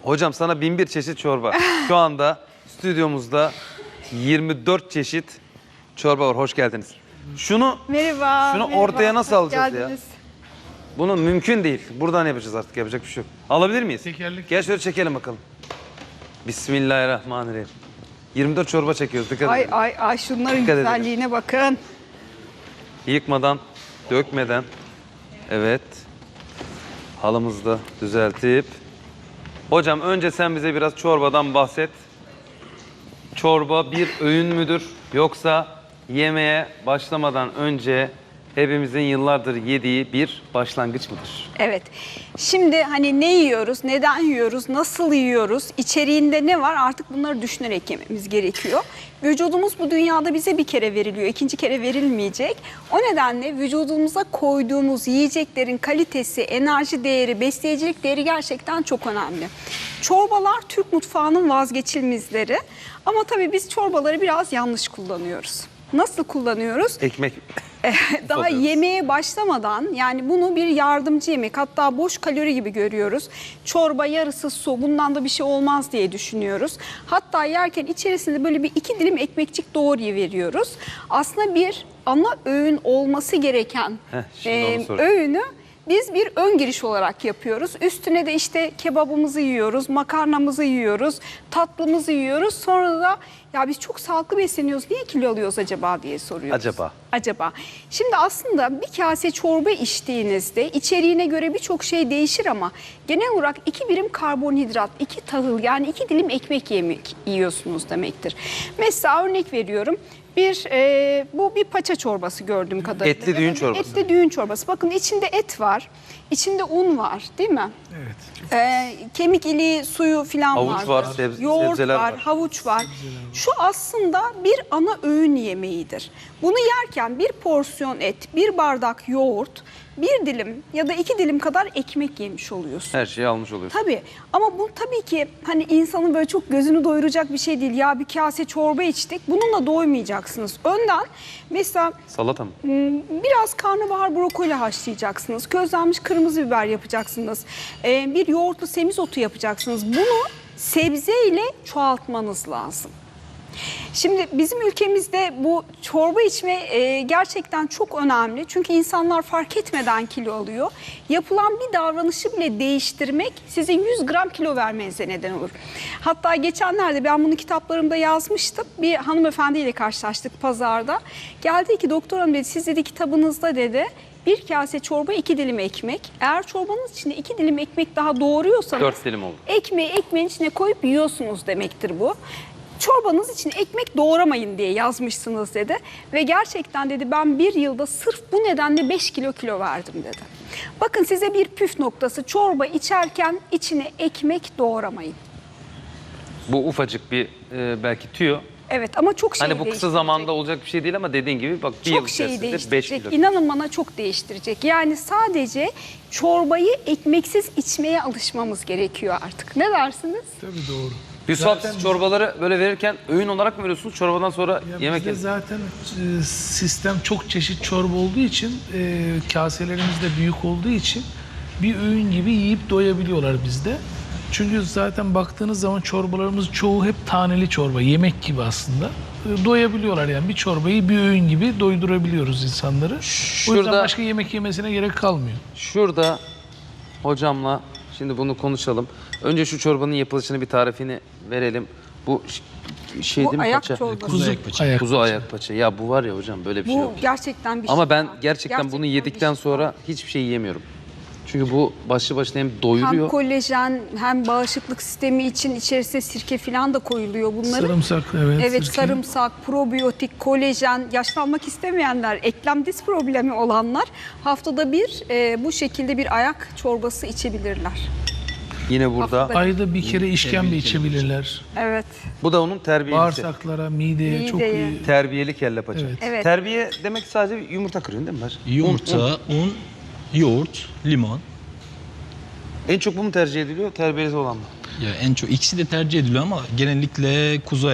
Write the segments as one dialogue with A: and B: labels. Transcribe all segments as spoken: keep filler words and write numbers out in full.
A: Hocam sana bin bir çeşit çorba. Şu anda stüdyomuzda yirmi dört çeşit çorba var. Hoş geldiniz. Şunu
B: Merhaba.
A: Şunu
B: merhaba.
A: ortaya nasıl
B: Hoş
A: alacağız
B: geldiniz.
A: ya? Bunu mümkün değil. Buradan yapacağız artık. Yapacak bir şey yok. Alabilir miyiz?
C: Tekerlek.
A: Gel şöyle çekelim bakalım. Bismillahirrahmanirrahim. yirmi dört çorba çekiyoruz. Dikkat
B: Ay
A: edin.
B: ay ay şunların
A: Dikkat edin.
B: güzelliğine bakın.
A: Yıkmadan, dökmeden. Evet. Halımızı da düzeltip. Hocam önce sen bize biraz çorbadan bahset. Çorba bir öğün müdür? Yoksa yemeğe başlamadan önce hepimizin yıllardır yediği bir başlangıç mıdır?
B: Evet. Şimdi hani ne yiyoruz, neden yiyoruz, nasıl yiyoruz, içeriğinde ne var artık bunları düşünerek yememiz gerekiyor. Vücudumuz bu dünyada bize bir kere veriliyor, ikinci kere verilmeyecek. O nedenle vücudumuza koyduğumuz yiyeceklerin kalitesi, enerji değeri, besleyicilik değeri gerçekten çok önemli. Çorbalar Türk mutfağının vazgeçilmezleri ama tabii biz çorbaları biraz yanlış kullanıyoruz. Nasıl kullanıyoruz?
A: Ekmek.
B: Daha
A: Oluyoruz.
B: yemeğe başlamadan yani bunu bir yardımcı yemek hatta boş kalori gibi görüyoruz. Çorba yarısı su bundan da bir şey olmaz diye düşünüyoruz. Hatta yerken içerisinde böyle bir iki dilim ekmekçik doğruyu veriyoruz. Aslında bir ana öğün olması gereken
A: Heh, şimdi onu
B: e,
A: sorayım.
B: öğünü biz bir ön giriş olarak yapıyoruz. Üstüne de işte kebabımızı yiyoruz, makarnamızı yiyoruz, tatlımızı yiyoruz. Sonra da ya biz çok sağlıklı besleniyoruz, niye kilo alıyoruz acaba diye soruyoruz.
A: Acaba?
B: Acaba. Şimdi aslında bir kase çorba içtiğinizde içeriğine göre birçok şey değişir ama genel olarak iki birim karbonhidrat, iki tahıl yani iki dilim ekmek yemek yiyorsunuz demektir. Mesela örnek veriyorum. Bir e, bu bir paça çorbası gördüğüm kadarıyla.
A: Etli düğün çorbası.
B: Etli düğün çorbası. Bakın içinde et var, içinde un var, değil mi?
C: Evet.
B: Ee, kemik iliği suyu falan
A: Havuç
B: var.
A: var, sebze-
B: Yoğurt
A: sebzeler
B: var,
A: var.
B: havuç var. Şu aslında bir ana öğün yemeğidir. Bunu yerken bir porsiyon et, bir bardak yoğurt, bir dilim ya da iki dilim kadar ekmek yemiş oluyorsun.
A: Her şeyi almış oluyorsun.
B: Tabii ama bu tabii ki hani insanın böyle çok gözünü doyuracak bir şey değil. Ya bir kase çorba içtik bununla doymayacaksınız. Önden mesela
A: Salata mı?
B: biraz karnabahar brokoli haşlayacaksınız. Közlenmiş kırmızı biber yapacaksınız. Ee, bir yoğurtlu semizotu yapacaksınız. Bunu sebzeyle çoğaltmanız lazım. Şimdi bizim ülkemizde bu çorba içme e, gerçekten çok önemli. Çünkü insanlar fark etmeden kilo alıyor. Yapılan bir davranışı bile değiştirmek sizin yüz gram kilo vermenize neden olur. Hatta geçenlerde ben bunu kitaplarımda yazmıştım. Bir hanımefendiyle karşılaştık pazarda. Geldi ki doktor hanım dedi siz dedi kitabınızda dedi bir kase çorba iki dilim ekmek. Eğer çorbanız içinde iki dilim ekmek daha doğruyorsanız
A: Dört dilim oldu.
B: ekmeği ekmeğin içine koyup yiyorsunuz demektir bu. Çorbanız için ekmek doğramayın diye yazmışsınız dedi. Ve gerçekten dedi ben bir yılda sırf bu nedenle beş kilo kilo verdim dedi. Bakın size bir püf noktası çorba içerken içine ekmek doğramayın.
A: Bu ufacık bir e, belki tüyo.
B: Evet ama çok şey
A: Hani bu kısa
B: değiştirecek.
A: zamanda olacak bir şey değil ama dediğin gibi bak bir yıl
B: Çok şeyi
A: içerisinde beş
B: değiştirecek.
A: kilo.
B: İnanın bana çok değiştirecek. Yani sadece çorbayı ekmeksiz içmeye alışmamız gerekiyor artık. Ne dersiniz?
C: Tabii doğru.
A: Yusuf
C: Zaten
A: siz çorbaları böyle verirken öğün olarak mı veriyorsunuz? Çorbadan sonra
C: Ya
A: yemek
C: bizde
A: yemek.
C: zaten e, sistem çok çeşit çorba olduğu için e, kaselerimiz de büyük olduğu için bir öğün gibi yiyip doyabiliyorlar bizde. Çünkü zaten baktığınız zaman çorbalarımız çoğu hep taneli çorba, yemek gibi aslında. E, doyabiliyorlar yani bir çorbayı bir öğün gibi doydurabiliyoruz insanları. O yüzden
A: Şurada-
C: başka yemek yemesine gerek kalmıyor.
A: Şurada hocamla şimdi bunu konuşalım. Önce şu çorbanın yapılışını bir tarifini verelim. Bu ş- şey
B: Bu
A: değil mi
B: ayak
A: paça?
B: çorbası.
C: Kuzu ayak.
A: Kuzu ayak paça. Ya bu var ya hocam böyle bir şey
B: Bu
A: yok.
B: gerçekten bir şey.
A: Ama ben
B: ya.
A: gerçekten, bunu
B: bir
A: yedikten
B: şey.
A: sonra hiçbir şey yiyemiyorum. Çünkü bu başlı başına hem
B: Hem
A: doyuruyor.
B: kolajen hem bağışıklık sistemi için içerisine sirke falan da koyuluyor bunların.
C: Sarımsak, evet.
B: Evet
C: sirke.
B: sarımsak, probiyotik, kolajen, yaşlanmak istemeyenler, eklem diz problemi olanlar haftada bir e, bu şekilde bir ayak çorbası içebilirler.
A: Yine burada.
B: Haftada-
C: Ayda bir kere işkembe içebilirler.
B: Evet.
A: Bu da onun terbiyelisi.
C: Bağırsaklara, mideye çok
B: Mideye.
C: iyi.
A: Terbiyeli kelle paça.
C: Evet.
B: Evet.
A: Terbiye demek sadece yumurta kırıyorsun değil mi? Paşa?
D: Yumurta,
A: Un, un.
D: un, yoğurt, limon.
A: En çok bu mu tercih ediliyor? Terbiyeli olan mı?
D: Ya en çok ikisi de tercih ediliyor ama genellikle kuzu ayak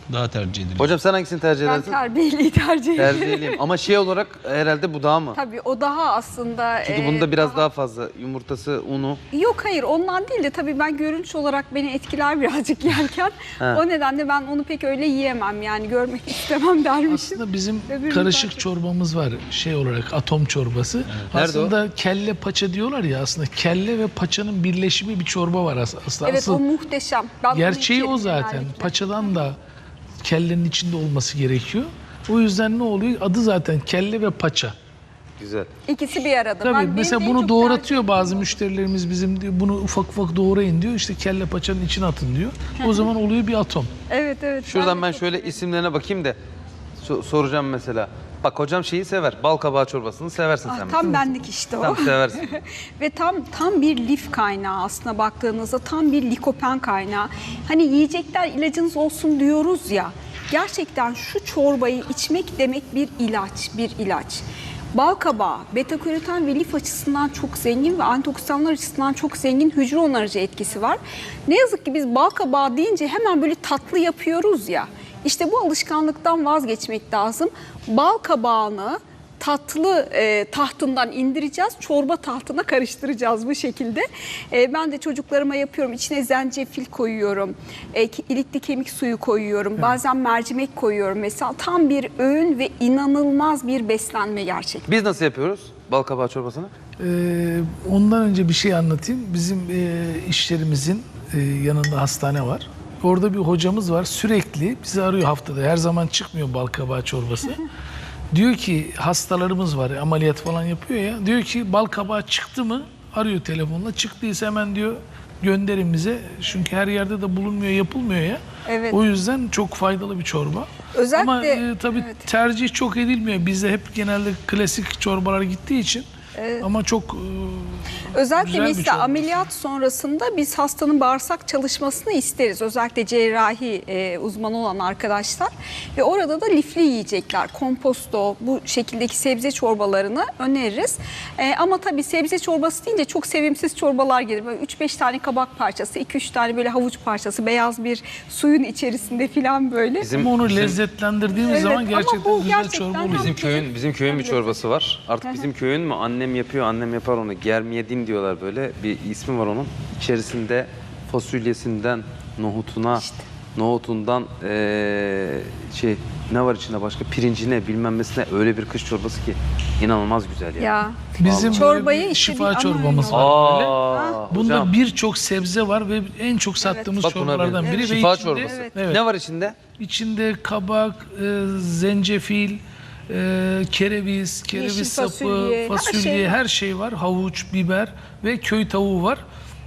D: daha tercih edilir.
A: Hocam sen hangisini tercih
B: Ben
A: edersin?
B: terbiyeliyi tercih ederim.
A: Tercihliyim. Ama şey olarak herhalde bu daha mı?
B: Tabii o daha aslında...
A: Çünkü
B: e,
A: bunda biraz daha fazla yumurtası, unu.
B: Yok hayır ondan değil de tabii ben görünüş olarak beni etkiler birazcık yerken.
A: Ha.
B: O nedenle ben onu pek öyle yiyemem yani görmek istemem dermişim.
C: Aslında bizim
B: Öbürünü
C: karışık
B: fark-
C: çorbamız var şey olarak atom çorbası.
A: Nerede
C: Aslında kelle paça diyorlar ya aslında kelle ve paçanın birleşimi bir çorba var as- aslında.
B: Evet
C: Asıl
B: o muhteşem. Ben onu
C: gerçeği
B: içerim
C: o zaten.
B: genellikle.
C: Paçadan da kellenin içinde olması gerekiyor. O yüzden ne oluyor? Adı zaten kelle ve paça.
A: Güzel.
B: İkisi bir arada.
C: Tabii
B: Ben- benim
C: mesela
B: en
C: bunu
B: çok
C: doğratıyor
B: tercih
C: bazı
B: ettiğim o.
C: müşterilerimiz bizim diyor, bunu ufak ufak doğrayın diyor. İşte kelle paçanın içine atın diyor. O zaman oluyor bir atom.
B: Evet evet.
A: Şuradan
B: de
A: ben
B: çok
A: şöyle
B: severim.
A: isimlerine bakayım da so- soracağım mesela. Bak hocam şeyi sever. Bal kabağı çorbasını seversin
B: Ah,
A: sen.
B: tam
A: mesela.
B: benlik işte o.
A: Tam seversin.
B: Ve tam tam bir lif kaynağı aslında baktığınızda tam bir likopen kaynağı. Hani yiyecekler ilacınız olsun diyoruz ya. Gerçekten şu çorbayı içmek demek bir ilaç, bir ilaç. Bal kabağı, beta karoten ve lif açısından çok zengin ve antioksidanlar açısından çok zengin hücre onarıcı etkisi var. Ne yazık ki biz bal kabağı deyince hemen böyle tatlı yapıyoruz ya. İşte bu alışkanlıktan vazgeçmek lazım. Bal kabağını tatlı e, tahtından indireceğiz, çorba tahtına karıştıracağız bu şekilde. E, ben de çocuklarıma yapıyorum. İçine zencefil koyuyorum, e, ki- ilikli kemik suyu koyuyorum, bazen mercimek koyuyorum mesela. Tam bir öğün ve inanılmaz bir beslenme gerçekten.
A: Biz nasıl yapıyoruz bal kabağı çorbasını?
C: Ee, ondan önce bir şey anlatayım. Bizim e, işlerimizin e, yanında hastane var. Orada bir hocamız var. Sürekli bizi arıyor haftada. Her zaman çıkmıyor bal kabağı çorbası. Diyor ki hastalarımız var. Ameliyat falan yapıyor ya. Diyor ki bal kabağı çıktı mı? Arıyor telefonla. Çıktıysa hemen diyor gönderin bize. Çünkü her yerde de bulunmuyor, yapılmıyor ya.
B: Evet.
C: O yüzden çok faydalı bir çorba.
B: Özellikle-
C: Ama e, tabii
B: evet.
C: tercih çok edilmiyor. Bizde hep genelde klasik çorbalar gittiği için. Ama çok e,
B: Özellikle
C: güzel bir
B: mesela
C: çorba.
B: ameliyat sonrasında biz hastanın bağırsak çalışmasını isteriz. Özellikle cerrahi e, uzmanı olan arkadaşlar. Ve orada da lifli yiyecekler, komposto, bu şekildeki sebze çorbalarını öneririz. E, ama tabii sebze çorbası deyince çok sevimsiz çorbalar gelir. Böyle üç beş tane kabak parçası, iki üç tane böyle havuç parçası, beyaz bir suyun içerisinde falan böyle.
A: Bizim
C: Ama onu
A: bizim-
C: lezzetlendirdiğimiz
B: Evet,
C: zaman
B: ama
C: gerçekten
B: bu
C: güzel
B: gerçekten
C: çorba
B: hem-
C: oluyor.
A: Bizim köyün bizim köyün bir çorbası var. Artık bizim köyün mü annem yapıyor, annem yapar onu. Germiyedin diyorlar böyle. Bir ismi var onun. İçerisinde fasulyesinden nohutuna, nohutundan eee, şey ne var içinde başka pirincine bilmem nesine öyle bir kış çorbası ki inanılmaz güzel ya.
B: Ya.
C: Bizim
B: Çorbayı
C: böyle bir
B: işte bir
C: şifa
B: ana
C: çorbamız
B: öğün
C: var böyle.
A: Aa,
C: Bunda
A: hocam.
C: birçok sebze var ve en çok sattığımız
A: Bak buna
C: çorbalardan
A: bir-
C: biri. Ve
A: Şifa
C: içinde-
A: çorbası.
B: Evet.
C: Evet.
A: Ne var içinde?
C: İçinde kabak, e, zencefil, e, kereviz, kereviz
B: Yeşil
C: sapı,
B: fasulye,
C: fasulye,
B: her şey var.
C: her şey var. Havuç, biber ve köy tavuğu var.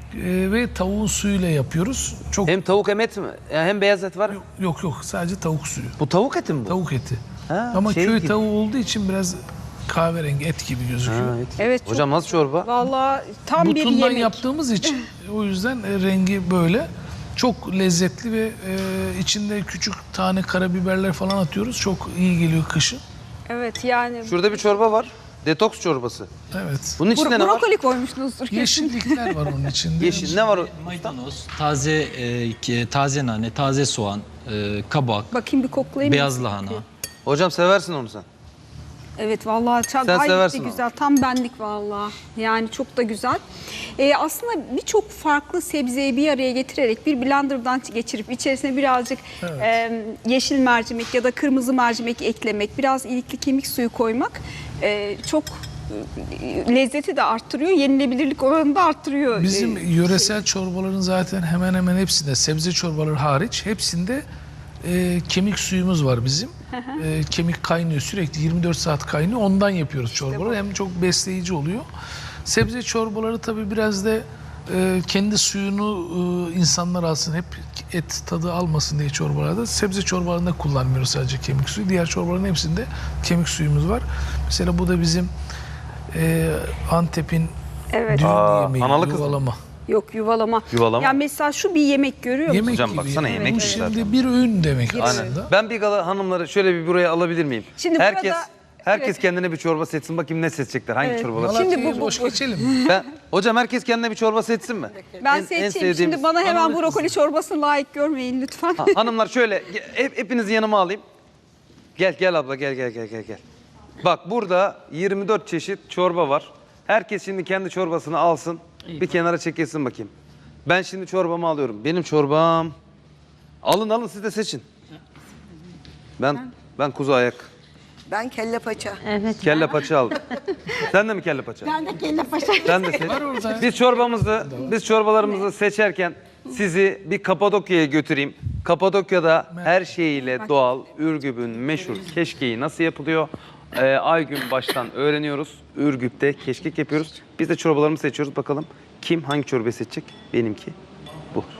C: E, ve tavuğun suyuyla yapıyoruz. Çok
A: Hem tavuk hem et mi? Ya hem beyaz et var.
C: yok yok sadece tavuk suyu.
A: Bu tavuk eti mi bu?
C: Tavuk eti.
A: Ha,
C: Ama
A: şey
C: köy
A: gibi.
C: tavuğu olduğu için biraz kahverengi et gibi gözüküyor.
A: Ha, et.
B: Evet, çok
A: Hocam nasıl çorba?
B: Vallahi tam bir
C: Butundan
B: yemek.
C: yaptığımız için o yüzden e, rengi böyle. Çok lezzetli ve e, içinde küçük tane karabiberler falan atıyoruz. Çok iyi geliyor kışın.
B: Evet yani
A: Şurada bir çorba var. Detoks çorbası.
C: Evet.
A: Bunun içinde
B: bro-
A: ne var?
B: brokoli koymuşsunuzdur kesin.
C: Yeşillikler var onun içinde.
A: Yeşil ne var? o-
D: Maydanoz, taze e, ki- taze nane, taze soğan, e, kabak,
B: Bakayım bir koklayayım.
D: beyaz lahana.
A: Hocam seversin onu sen.
B: Evet vallahi çok
A: Sen
B: gayet de
A: seversin
B: güzel. Tam benlik vallahi. Yani çok da güzel. Ee, aslında birçok farklı sebzeyi bir araya getirerek bir blenderdan geçirip içerisine birazcık e, yeşil mercimek ya da kırmızı mercimek eklemek, biraz ilikli kemik suyu koymak e, çok e, lezzeti de arttırıyor, yenilebilirlik oranını da arttırıyor.
C: Bizim
B: Ee,
C: yöresel çorbaların zaten hemen hemen hepsinde, sebze çorbaları hariç hepsinde e, kemik suyumuz var bizim. E, kemik kaynıyor sürekli yirmi dört saat kaynıyor. Ondan yapıyoruz çorbaları. Hem çok besleyici oluyor. Sebze çorbaları tabii biraz da e, kendi suyunu e, insanlar alsın. Hep et tadı almasın diye çorbalarda. Sebze çorbalarında kullanmıyoruz sadece kemik suyu. Diğer çorbaların hepsinde kemik suyumuz var. Mesela bu da bizim e, Antep'in
B: Evet.
C: düğün
A: Aa,
C: yemeği,
A: analı kız mı?
C: yuvalama.
B: Yok yuvalama.
A: Yuvalama.
B: Ya mesela şu bir yemek görüyor musun?
C: Yemek
A: Hocam
C: gibi.
A: baksana
C: yani.
A: yemek
C: Bu
A: gibi
C: şimdi
A: zaten.
C: bir öğün demek
A: Aynen.
C: aslında.
A: Ben bir gala hanımları şöyle bir buraya alabilir miyim?
B: Şimdi
A: Herkes
B: burada
A: Herkes kendine bir çorba seçsin. Bakayım ne seçecekler. Hangi
B: Evet.
A: çorbalar?
B: Şimdi
C: Malatya'yı
B: bu- bu-
C: boş
B: bu-
C: geçelim.
A: Ben, hocam herkes kendine bir çorba seçsin mi?
B: Ben
A: En- en
B: seçeyim.
A: sevdiğimiz-
B: Şimdi bana hemen
C: Hanım-
B: brokoli çorbasını layık görmeyin lütfen.
A: Ha, hanımlar şöyle hep, hepinizi yanıma alayım. Gel gel abla gel gel gel gel gel. Bak burada yirmi dört çeşit çorba var. Herkes şimdi kendi çorbasını alsın. Bir kenara çekilsin bakayım. Ben şimdi çorbamı alıyorum. Benim çorbam. Alın alın siz de seçin. Ben ben kuzu ayak.
E: Ben kelle paça.
F: Evet.
A: Kelle paça aldım. Sen de mi kelle paça?
F: Ben de kelle paşa.
A: Sen de seç.
C: Var orada.
A: Biz çorbamızı, biz çorbalarımızı seçerken sizi bir Kapadokya'ya götüreyim. Kapadokya'da her şeyiyle doğal, Ürgüp'ün meşhur keşkeği nasıl yapılıyor? Ee, Aygün baştan öğreniyoruz. Ürgüp'te keşkek yapıyoruz. Biz de çorbalarımızı seçiyoruz. Bakalım kim hangi çorbayı seçecek? Benimki bu.